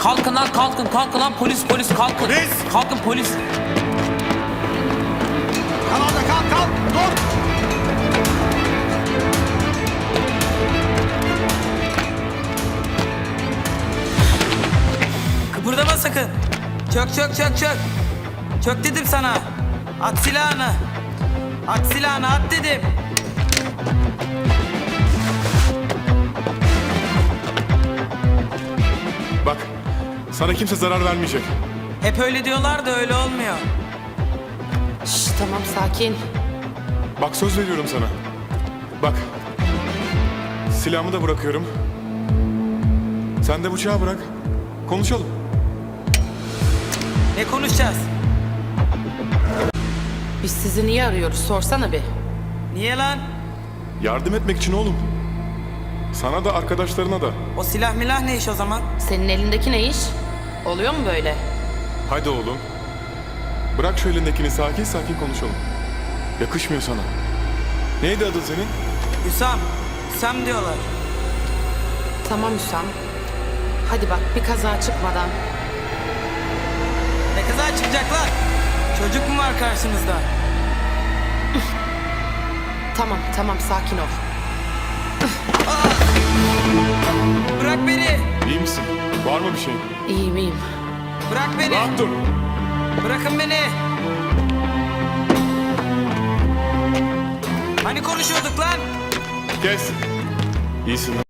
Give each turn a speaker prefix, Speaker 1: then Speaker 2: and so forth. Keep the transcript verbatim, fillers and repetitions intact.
Speaker 1: Kalkın lan kalkın kalkın lan polis polis kalkın.
Speaker 2: Polis!
Speaker 1: Kalkın polis.
Speaker 2: Kal orada kal kal. Dur.
Speaker 1: Kıpırdama sakın. Çök çök çök çök. Çök dedim sana. At silahını. At silahını at dedim.
Speaker 2: Bak, sana kimse zarar vermeyecek.
Speaker 1: Hep öyle diyorlar da öyle olmuyor.
Speaker 3: Şş, tamam sakin.
Speaker 2: Bak söz veriyorum sana. Bak. Silahımı da bırakıyorum. Sen de bıçağı bırak. Konuşalım.
Speaker 1: Ne konuşacağız?
Speaker 3: Biz sizi niye arıyoruz sorsana bir.
Speaker 1: Niye lan?
Speaker 2: Yardım etmek için oğlum. Sana da arkadaşlarına da.
Speaker 1: O silah milah ne iş o zaman?
Speaker 3: Senin elindeki ne iş? Oluyor mu böyle?
Speaker 2: Hadi oğlum. Bırak şu elindekini, sakin sakin konuşalım. Yakışmıyor sana. Neydi adın senin?
Speaker 1: Hüsam. Hüsam diyorlar.
Speaker 3: Tamam Hüsam. Hadi bak bir kaza çıkmadan.
Speaker 1: Ne kadar çıkacaklar? Çocuk mu var karşınızda?
Speaker 3: Tamam tamam sakin ol.
Speaker 1: Bırak beni.
Speaker 2: İyi misin? Var mı bir şey?
Speaker 3: İyiyim iyiyim.
Speaker 1: Bırak beni.
Speaker 2: Rahat dur.
Speaker 1: Bırakın beni. Hani konuşuyorduk lan?
Speaker 2: Kes. İyisin.